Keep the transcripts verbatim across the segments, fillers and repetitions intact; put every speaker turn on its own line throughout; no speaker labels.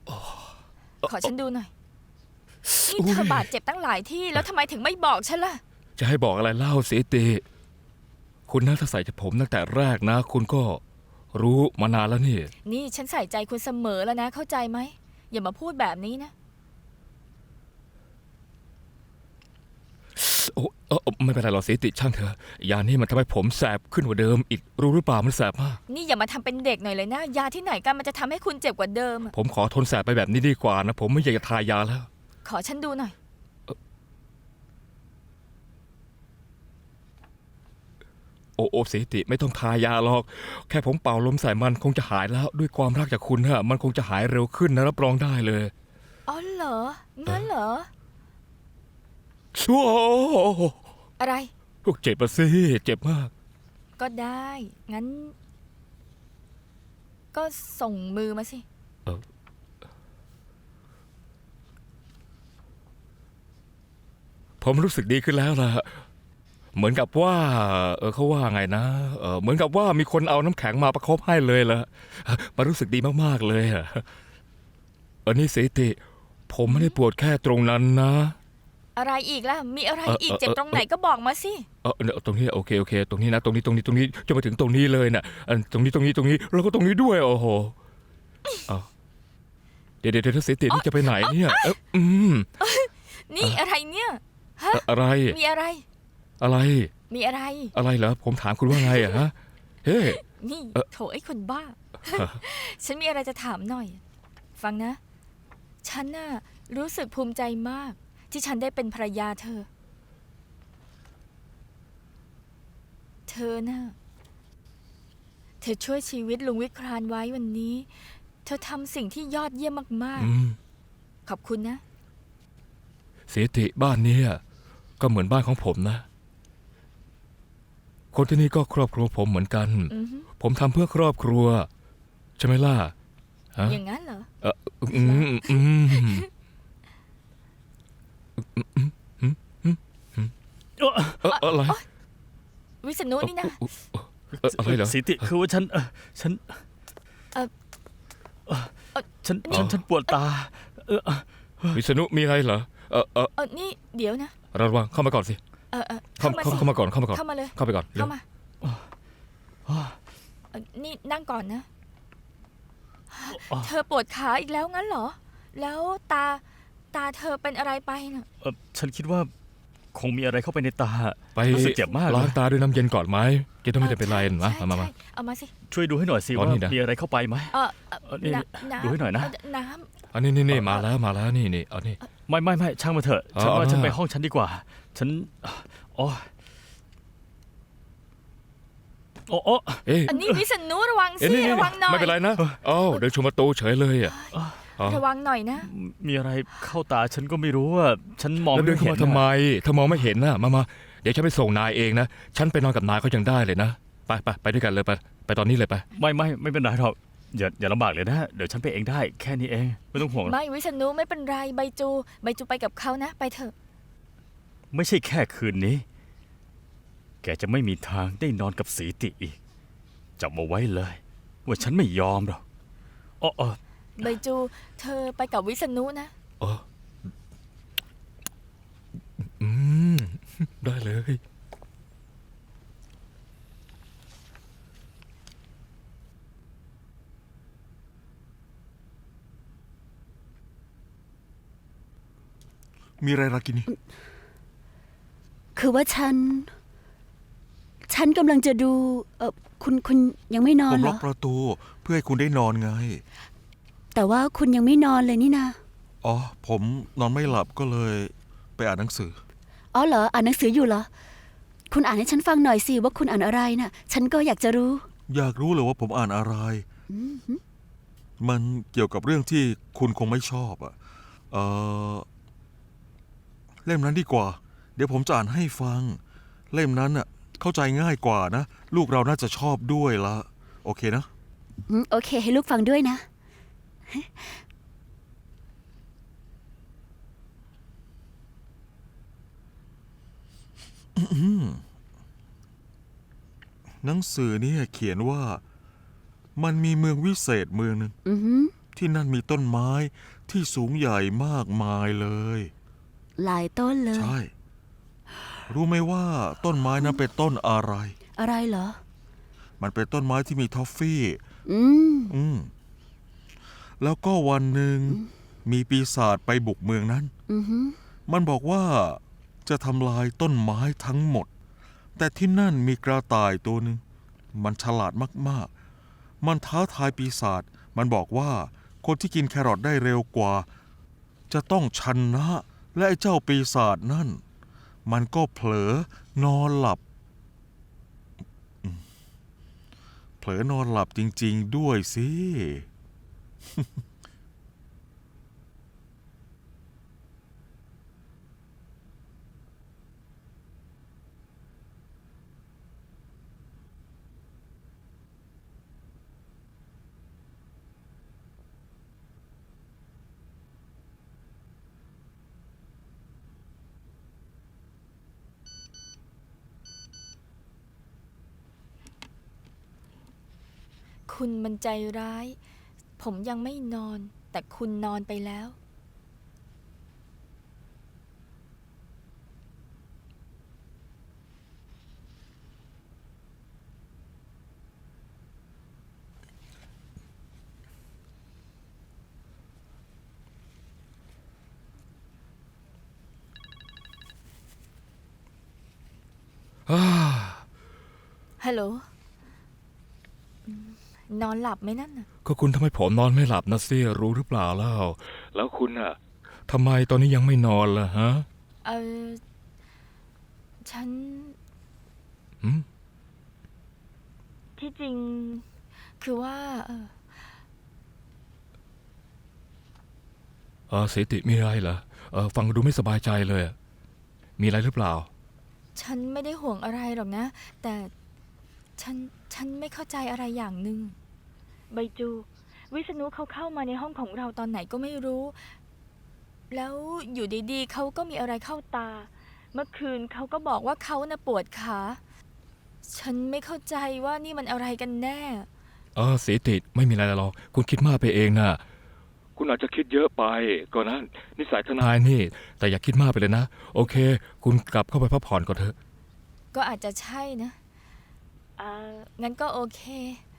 ขอฉันดูหน่อยนี่เธอบาดเจ็บตั้งหลายที่แล้วทำไมถึงไม่บอกฉันล่ะ
จะให้บอกอะไรเล่าสิติคุณน่าจะใส่ใจผมตั้งแต่แรกนะคุณก็รู้มานานแล้วนี่
นี่ฉันใส่ใจคุณเสมอแล้วนะเข้าใจไหมอย่ามาพูดแบบนี้นะ
โอ้เออไม่เป็นไรหรอกสิติช่างเถอะยานี่มันทำให้ผมแสบขึ้นกว่าเดิมอีกรู้หรือเปล่ามันแสบมาก
นี่อย่ามาทำเป็นเด็กหน่อยเลยนะยาที่ไหนกันมันจะทำให้คุณเจ็บกว่าเดิม
ผมขอทนแสบไปแบบนี้ดีกว่านะผมไม่อยากจะทายาแล้ว
ขอฉันดูหน่อย
โอ้โอสิติไม่ต้องทายาหรอกแค่ผมเป่าลมใส่มันคงจะหายแล้วด้วยความรักจากคุณฮะมันคงจะหายเร็วขึ้นนะรับรองได้เลย
อ๋อเหรองั้นเหรอ
โอ้
อะไร
เจ็บปะสิเจ็บมาก
ก็ได้งั้นก็ส่งมือมาสิ
เออผมรู้สึกดีขึ้นแล้วล่ะเหมือนกับว่าเออเขาว่าไงนะเออเหมือนกับว่ามีคนเอาน้ำแข็งมาประคบให้เลยล่ะมันรู้สึกดีมากๆเลยอะเออนี่สิติผมไม่ได้ปวดแค่ตรงนั้นนะ
อะไรอีกล่ะมีอะไรอีกเจ็บตรงไหนก็บอกมาสิ
เออเนี่ยตรงนี้โอเคโอเคตรงนี้นะตรงนี้ตรงนี้ตรงนี้จนมาถึงตรงนี้เลยนะตรงนี้ตรงนี้ตรงนี้แล้วก็ตรงนี้ด้วยโอ้โหเดี๋ยวเดี๋ยวสิตินี่จะไปไหนเนี่ยเอออืม
นี่อะไรเนี่ยฮะ
อะไร
มีอะไร
อะไร
มีอะไร
อะไรเหรอผมถามคุณว่าไงอะฮะเฮ้
นี่โถไอ้คนบ้าฉันมีอะไรจะถามหน่อยฟังนะฉันน่ะรู้สึกภูมิใจมากที่ฉันได้เป็นภรรยาเธอเธอน่ะเธอช่วยชีวิตลุงวิครานไว้วันนี้เธอทำสิ่งที่ยอดเยี่ยมมากๆขอบคุณนะ
เสียติบ้านนี้ก็เหมือนบ้านของผมนะคนที่นี่ก็ครอบครัวผมเหมือนกันผมทำเพื่อครอบครัวใช่ไหมล่ะ
อย่างนั้นเหรอ
เอออืมอืมอะไร
วิษณุนี่นะ
อะไรเหรอ
สิติคือว่าฉันฉันฉันฉันฉันปวดตา
วิษณุมีอะไรเหรอเออเออ
นี่เดี๋ยวนะ
ระวังเข้ามาก่อนสิ
เออ
เข้าเข้ามาก่อนเข้ามาก่อน
เข้ามาเลย
เข้าไปก่อน
เข้ามานี่นั่งก่อนนะเธอปวดขาอีกแล้วงั้นเหรอแล้วตาตาเธอเป็นอะไรไปน่ะ
ฉันคิดว่าคงมีอะไรเข้าไปในตา
ไป
รู้สึกเจ็บมาก
ล้างตาด้วยน้ำเย็นก่อนไหมจะต้องไม่ได้เป็นไรนะมามา
เอามาสิ
ช่วยดูให้หน่อยสิว่ามีอะไรเข้าไปไหมดูให้หน่อยนะ
น้
ำอันนี้นี่นี่มาแล้วมาแล้วนี่นี่เอานี่
ไม่ไม่ไม่ช่างมาเถอะฉันว่าฉันไปห้องฉันดีกว่าฉันอ๋อโอ้โอ้
อันนี้วิษณุระวังสิระวังหน่อย
ไม่เป็นไรนะเอ้าเดินชมประตูเฉยเลยอ่ะ
ระวังหน่อยนะ
มีอะไรเข้าตาฉันก็ไม่รู้ว่าฉันมองไม่
เห็นทำไมถ้ามองไม่เห็นน่ะมามาเดี๋ยวฉันไปส่งนายเองนะฉันไปนอนกับนายเขายังได้เลยนะไปไปไปด้วยกันเลยไปไปตอนนี้เลยไป
ไม่ไม่ไม่เป็นไรหรอกอย่าอย่าลำบากเลยนะเดี๋ยวฉันไปเองได้แค่นี้เองไม่ต้องห่วง
ไม่วิษณุไม่เป็นไรใบจูใบจูไปกับเขานะไปเถอะ
ไม่ใช่แค่คืนนี้แกจะไม่มีทางได้นอนกับสีติอีกจำเอาไว้เลยว่าฉันไม่ยอมหรอกอ๋อ
ใบจูเธอไปกับวิษณุนะ
อ๋ออืมได้เลย
มีอะไรรากินี
คือว่าฉันฉันกำลังจะดูเออคุณคุณยังไม่นอน
ผม
เหร
ล็อกประตูเพื่อให้คุณได้นอนไง
แต่ว่าคุณยังไม่นอนเลยนี่นะ
อ๋อผมนอนไม่หลับก็เลยไปอ่านหนังสือ
อ๋อเหรออ่านหนังสืออยู่เหรอคุณอ่านให้ฉันฟังหน่อยสิว่าคุณอ่านอะไรน่ะฉันก็อยากจะรู้
อยากรู้เลยว่าผมอ่านอะไรมันเกี่ยวกับเรื่องที่คุณคงไม่ชอบอ่ะเออเล่มนั้นดีกว่าเดี๋ยวผมจะอ่านให้ฟังเล่มนั้นน่ะเข้าใจง่ายกว่านะลูกเราน่าจะชอบด้วยละโอเคนะ
โอเคให้ลูกฟังด้วยนะ
หนังสือนี่เขียนว่ามันมีเมืองวิเศษเมืองหนึ่งที่นั่นมีต้นไม้ที่สูงใหญ่มากมายเลย
หลายต้นเลย
ใช่ รู้ไหมว่าต้นไม้นั้นเป็นต้นอะไร
อะไรเหรอ
มันเป็นต้นไม้ที่มีทอฟฟี่
อืม
อืม แล้วก็วันหนึ่งมีปีศาจไปบุกเมืองนั้น
อือฮึ
มันบอกว่าจะทำลายต้นไม้ทั้งหมด แต่ที่นั่นมีกระต่ายตัวหนึ่ง มันฉลาดมากๆ มันท้าทายปีศาจ มันบอกว่าคนที่กินแครอทได้เร็วกว่า จะต้องชนะ และไอ้เจ้าปีศาจนั่น มันก็เผลอนอนหลับอืมเผลอนอนหลับจริงๆด้วยสิ
คุณมันใจร้าย ผมยังไม่นอน แต่คุณนอนไปแล้ว
อ้า
ฮัลโหลอืมนอนหลับไหมนั่นน่ะ
ก็คุณทำให้ผมนอนไม่หลับนะสิรู้หรือเปล่าเล่าแล้วคุณอ่ะทำไมตอนนี้ยังไม่นอนล่ะฮะ
เออ ฉัน
หืม
ที่จริง คือว่า เออ
เออสิติมีอะไรเหรอเออฟังดูไม่สบายใจเลยอะมีอะไรหรือเปล่า
ฉันไม่ได้ห่วงอะไรหรอกนะ แต่ฉัน ฉันไม่เข้าใจอะไรอย่างหนึ่งใบจู วิษณุเขาเข้ามาในห้องของเราตอนไหนก็ไม่รู้ แล้วอยู่ดีๆเขาก็มีอะไรเข้าตา เมื่อคืนเขาก็บอกว่าเขาน่ะปวดขา ฉันไม่เข้าใจว่านี่มันอะไรกันแน่
เออสิติไม่มีอะไรหรอกคุณคิดมากไปเองนะคุณอาจจะคิดเยอะไปก็นะนิสัยทนายนี่ แต่อย่าคิดมากไปเลยนะ โอเค คุณกลับเข้าไปพักผ่อนก่อนเถอะ
ก็อาจจะใช่นะอ่างั้นก็โอเค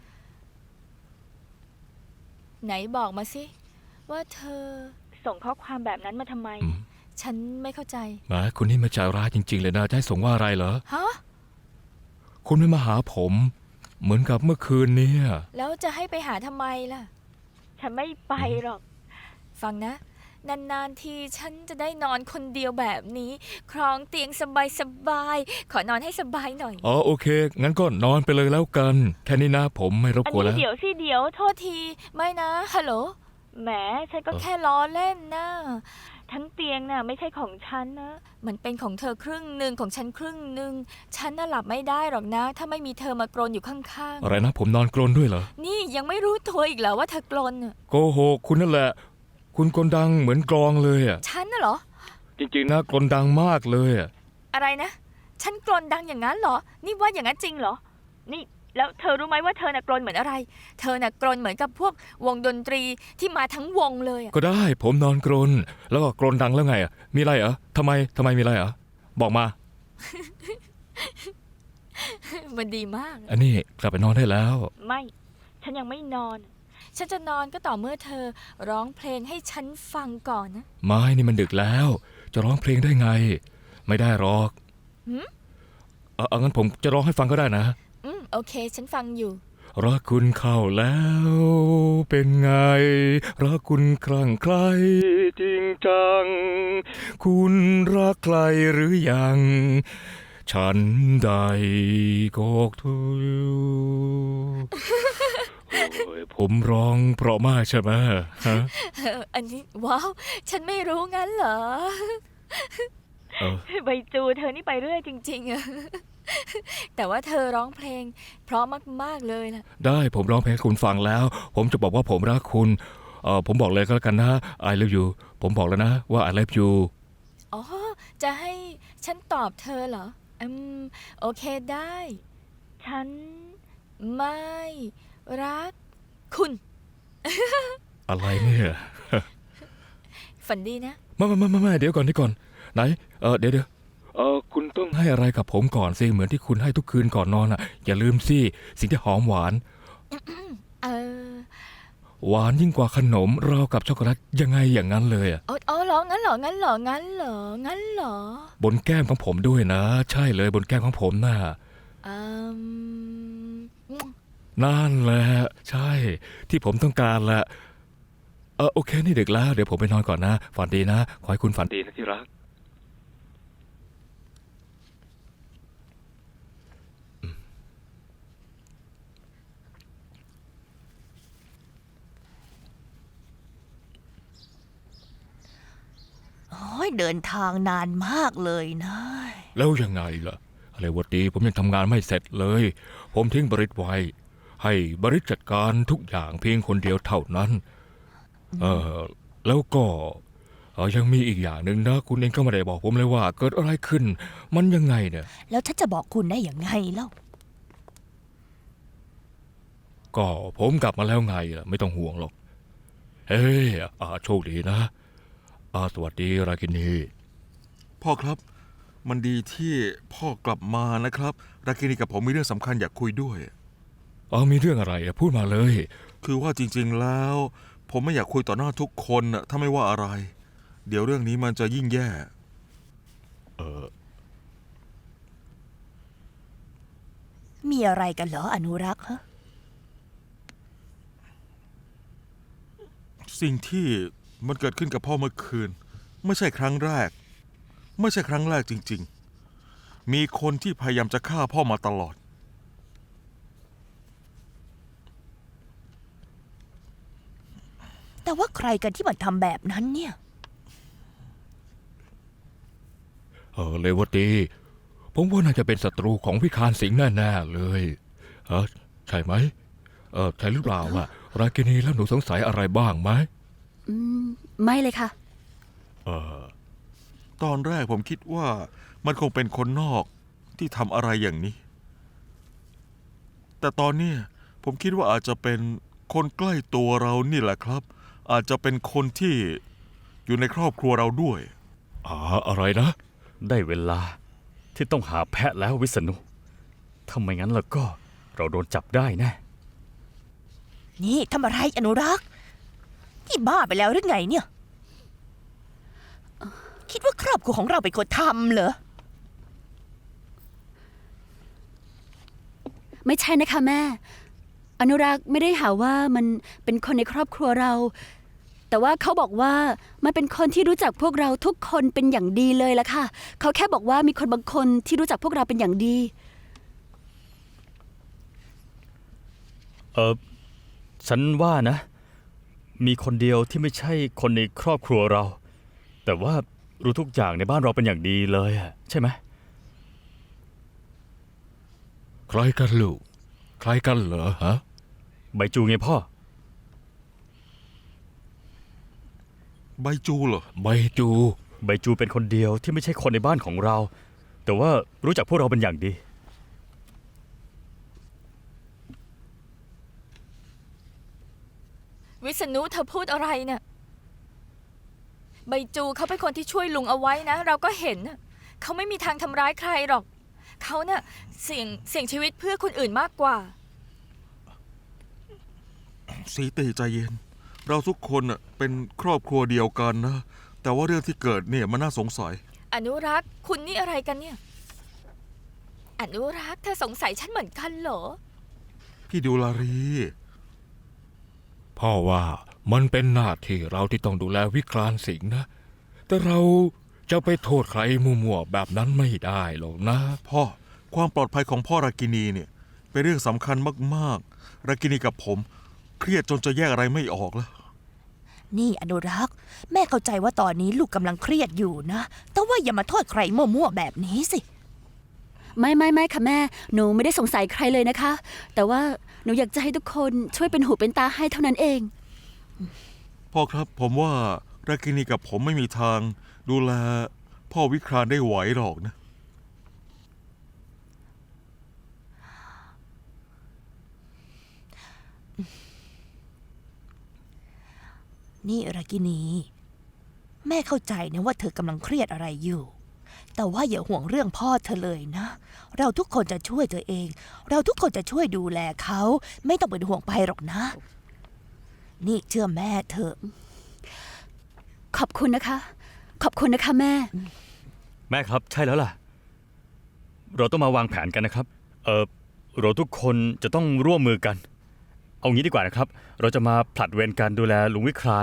ไหนบอกมาสิ ว่าเธอส่งข้อความแบบนั้นมาทำไม
อืม
ฉันไม่เข้าใจ
แหมคุณนี่มาใจร้ายจริง ๆ เลยนะจะให้ส่งว่าอะไรเหรอ
ฮะ
คุณไม่มาหาผม เหมือนกับเมื่อคืนเนี้
แล้วจะให้ไปหาทำไมล่ะ ฉันไม่ไปหรอก ฟังนะ นานๆทีฉันจะได้นอนคนเดียวแบบนี้ ครองเตียงสบายๆ ขอนอนให้สบายหน่อย
อ๋อโอเค งั้นก็นอนไปเลยแล้วกัน แค่นี้นะผมไม่รบ
อัน
กวน
นี้
แล้ว
เดี๋ยวสิเดี๋ยวโทษที ไม่นะ ฮัลโหล แหม ฉันก็
เออ
แค่ล้อเล่นนะ ทั้งเตียงน่ะไม่ใช่ของฉันนะ มันเป็นของเธอครึ่งหนึ่งของฉันครึ่งหนึ่ง ฉันน่ะหลับไม่ได้หรอกนะ ถ้าไม่มีเธอมากรนอยู่ข้าง
อะไรนะผมนอนกรนด้วยเหรอ
ๆ นี่ยังไม่รู้ตัวอีกเหรอว่าเธอกรนน่ะ
โกหกคุณนั่นแหละ คุณกลดังเหมือนกลองเลยอ่ะ
ฉันน่ะเหรอ
จริงๆนะกลดังมากเลยอ่ะ
อะไรนะ ฉันกรนดังอย่างนั้นเหรอ นี่ว่าอย่างนั้นจริงเหรอ นี่แล้วเธอรู้ไหมว่าเธอน่ะกรนเหมือนอะไร เธอน่ะกรนเหมือนกับพวกวงดนตรีที่มาทั้งวงเลยอะ
ก็ได้ผมนอนกรน แล้วก็กรนดังแล้วไงอ่ะ มีอะไรเหรอทำไมทำไมมีอะไรเหรอบอกมา
มันดีมาก
อันนี้กลับไปนอนได้แล้ว
ไม่ ฉันยังไม่นอน ฉันจะนอนก็ต่อเมื่อเธอร้องเพลงให้ฉันฟังก่อนนะ
ไม่นี่มันดึกแล้ว จะร้องเพลงได้ไง ไม่ได้หรอก
หืม
เออเอางั้นผมจะร้องให้ฟังก็ได้นะ
อืม โอเค ฉันฟังอยู่
รักคุณเข้าแล้วเป็นไง รักคุณคลั่งไคล้จริงจัง คุณรักใครหรือยัง ฉันใดกอกทุยโอ้ยผมร้องเพราะมากใช่ไหมฮะ
เอออันนี้ว้าว ฉันไม่รู้งั้นเหรอ
เออ
ใบจูเธอนี่ไปเรื่อยจริงๆอะ แต่ว่าเธอร้องเพลง เพราะมากๆเลยล่ะ
ได้ผมร้องเพลงให้คุณฟังแล้ว ผมจะบอกว่าผมรักคุณเออผมบอกเลยก็แล้วกันนะ I love you ผมบอกแล้วนะว่า I love you
อ๋อ จะให้ฉันตอบเธอเหรอ อืม โอเคได้ ฉันไม่รักคุณ
อะไรเนี่ย
ฝันดีนะ
ไม่ไม่ไม่ไม่ไม่เดี๋ยวก่อนเดี๋ยวก่อนไหนเออเดี๋ยวเดี๋ยวเออคุณต้องให้อะไรกับผมก่อนสิเหมือนที่คุณให้ทุกคืนก่อนนอนอ่ะ อย่าลืมสิสิ่งที่หอมหวาน
เออ
หวานยิ่งกว่าขนมราวกับช็อกโกแลตยังไงอย่างนั้นเลยอ่ะ
อ๋ออ๋อเหรองั้นเหรองั้นเหรองั้นเหรองั้นเหรอบ
นแก้มของผมด้วยนะ ใช่เลยบนแก้มของผมน่ะ
อืม
นั่นแหละใช่ ที่ผมต้องการแหละเออโอเคนี่ดึกแล้วเดี๋ยวผมไปนอนก่อนนะฝันดีนะขอให้คุณฝันดีนะที่รัก
โอ้ยเดินทางนานมากเลยนะ
แล้วยังไงล่ะอะไรวะดีผมยังทำงานไม่เสร็จเลย ผมทิ้งบริษไว้ ให้บริษจัดการทุกอย่างเพียงคนเดียวเท่านั้น เออแล้วก็เออยังมีอีกอย่างหนึ่งนะ คุณเองก็ไม่ได้บอกผมเลยว่า เกิดอะไรขึ้น มันยังไงเนี่ย
แล้วฉันจะบอกคุณได้อย่างไงเล่า
ก็ผมกลับมาแล้วไงล่ะไม่ต้องห่วงหรอก เฮ้ยอ่าโชคดีนะอาสวัสดีรากินี
พ่อครับ มันดีที่พ่อกลับมานะครับรากินีกับผมมีเรื่องสำคัญอยากคุยด้วย
อ๋อมีเรื่องอะไรอะพูดมาเลย
คือว่าจริงๆแล้ว ผมไม่อยากคุยต่อหน้าทุกคนน่ะถ้าไม่ว่าอะไร เดี๋ยวเรื่องนี้มันจะยิ่งแย่
เออ
มีอะไรกันเหรออนุรักษ์ฮะ
สิ่งที่มันเกิดขึ้นกับพ่อเมื่อคืน ไม่ใช่ครั้งแรก ไม่ใช่ครั้งแรกจริงๆ มีคนที่พยายามจะฆ่าพ่อมาตลอด
แต่ว่าใครกันที่มันทำแบบนั้นเนี่ย
เออเลวตีผมว่าน่าจะเป็นศัตรูของพิคารสิงห์แน่ๆเลยเออใช่ไหมเออใช่หรือเปล่าล่ะรากินีแล้วหนูสงสัยอะไรบ้างไหม
อืม ไม่เลยค่ะ
เออ
ตอนแรกผมคิดว่ามันคงเป็นคนนอกที่ทำอะไรอย่างนี้ แต่ตอนเนี้ยผมคิดว่าอาจจะเป็นคนใกล้ตัวเรานี่แหละครับ อาจจะเป็นคนที่อยู่ในครอบครัวเราด้วย
อ่าอะไรนะ
ได้เวลาที่ต้องหาแพะแล้ววิษณุถ้าไม่งั้นแล้วก็เราโดนจับได้แน่
นี่ทำอะไรอนุรักษ์ที่บ้าไปแล้วหรือไงเนี่ย คิดว่าครอบครัวของเราเป็นคนทำเหรอ
ไม่ใช่นะคะแม่ อนุรักษ์ไม่ได้หาว่ามันเป็นคนในครอบครัวเรา แต่ว่าเขาบอกว่ามันเป็นคนที่รู้จักพวกเราทุกคนเป็นอย่างดีเลยละค่ะ เขาแค่บอกว่ามีคนบางคนที่รู้จักพวกเราเป็นอย่างดี
เออฉันว่านะ มีคนเดียวที่ไม่ใช่คนในครอบครัวเรา แต่ว่ารู้ทุกอย่างในบ้านเราเป็นอย่างดีเลยอะใช่ไหม
ใครกันลูกใครกันเหรอฮะ
ใบจูไงพ่อ
ใบจูเหรอ
ใบจู
ใบจูเป็นคนเดียวที่ไม่ใช่คนในบ้านของเรา แต่ว่ารู้จักพวกเราเป็นอย่างดี
วิษณุเธอพูดอะไรเนะ่ะใบจูเขาเป็นคนที่ช่วยลุงเอาไว้นะ เราก็เห็นน่ะเขาไม่มีทางทำร้ายใครหรอก เขาเนะ่ะเสี่ยงเสี่ยงชีวิตเพื่อคนอื่นมากกว่า
สีตีใจเย็น เราทุกคนน่ะเป็นครอบครัวเดียวกันนะ แต่ว่าเรื่องที่เกิดเนี่ยมันน่าสงสัย
อนุรักษ์คุณนี่อะไรกันเนี่ย อนุรักษ์เธอสงสัยฉันเหมือนกันเหรอ
พี่ดูลารี
พ่อว่ามันเป็นหน้าที่เราที่ต้องดูแลวิคลานสิงห์นะ แต่เราจะไปโทษใครมั่วๆแบบนั้นไม่ได้หรอกนะ
พ่อความปลอดภัยของพ่อรากินีเนี่ยเป็นเรื่องสำคัญมากๆ รากินีกับผมเครียดจนจะแยกอะไรไม่ออกแล้ว
นี่อนุรักษ์แม่เข้าใจว่าตอนนี้ลูกกำลังเครียดอยู่นะ แต่ว่าอย่ามาโทษใครมั่วๆแบบนี้สิ
ไม่ไม่ไม่ค่ะแม่ หนูไม่ได้สงสัยใครเลยนะคะ แต่ว่าหนูอยากจะให้ทุกคนช่วยเป็นหูเป็นตาให้เท่านั้นเอง
พ่อครับผมว่ารากินีกับผมไม่มีทางดูแลพ่อวิครานได้ไหวหรอกนะ
นี่รากินี แม่เข้าใจนะว่าเธอกำลังเครียดอะไรอยู่ แต่ว่าอย่าห่วงเรื่องพ่อเธอเลยนะ เราทุกคนจะช่วยเธอเอง เราทุกคนจะช่วยดูแลเขา ไม่ต้องเป็นห่วงไปหรอกนะ นี่เชื่อแม่เถอะ
ขอบคุณนะคะ ขอบคุณนะคะแม่
แม่ครับใช่แล้วล่ะ เราต้องมาวางแผนกันนะครับ เออเราทุกคนจะต้องร่วมมือกัน เอางี้ดีกว่านะครับ เราจะมาผลัดเวรการดูแลลุงวิคราน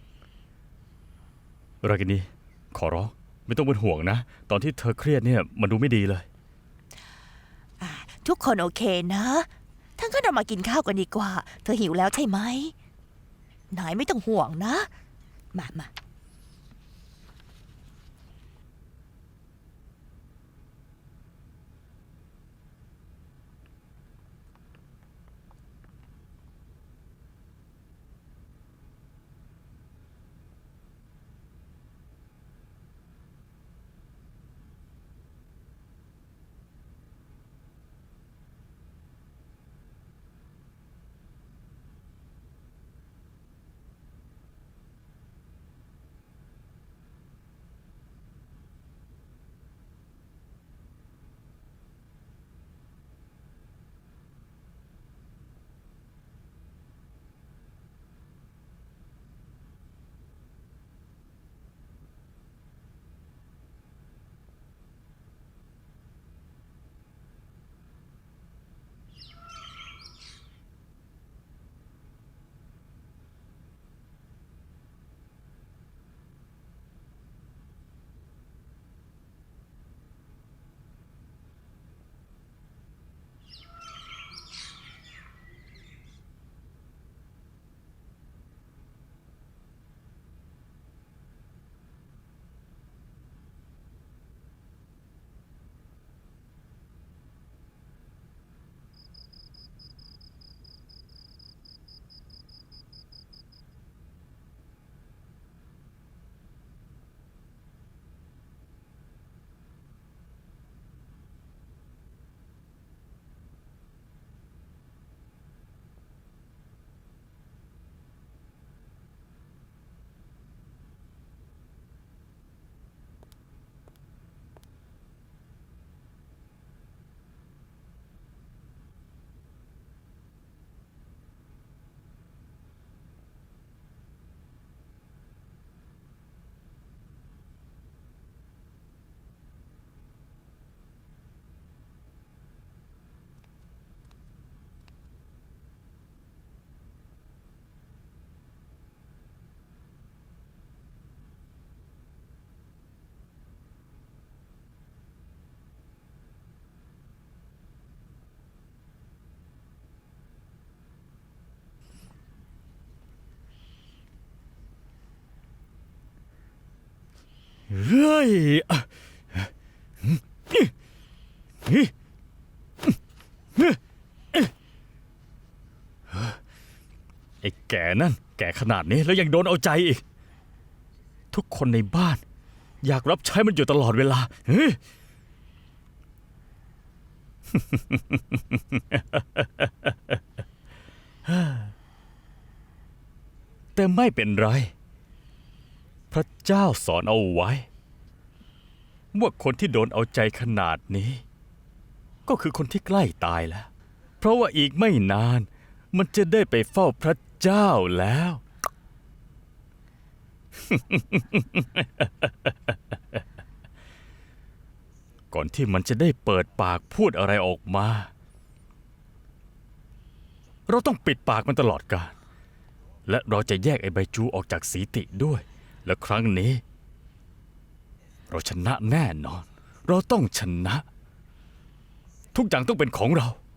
รากินีขอร้องไม่ต้องเป็นห่วงนะ ตอนที่เธอเครียดเนี่ยมันดูไม่ดีเลย
ทุกคนโอเคนะทั้งก็เรามากินข้าวกันดีกว่า เธอหิวแล้วใช่ไหมนายไม่ต้องห่วงนะ มามา
เฮ้ยไอ้แก่นั่นแก่ขนาดนี้แล้วยังโดนเอาใจอีก ทุกคนในบ้าน อยากรับใช้มันอยู่ตลอดเวลาเฮ้ย แต่ไม่เป็นไร พระเจ้าสอนเอาไว้ว่าคนที่โดนเอาใจขนาดนี้ ก็คือคนที่ใกล้ตายแล้ว เพราะว่าอีกไม่นานมันจะได้ไปเฝ้าพระเจ้าแล้ว ก่อนที่มันจะได้เปิดปากพูดอะไรออกมา เราต้องปิดปากมันตลอดกาลและเราจะแยกไอ้ใบจูออกจากสีติด้วย และครั้งนี้ เราชนะแน่นอน เราต้องชนะ ทุกอย่างต้องเป็นของเรา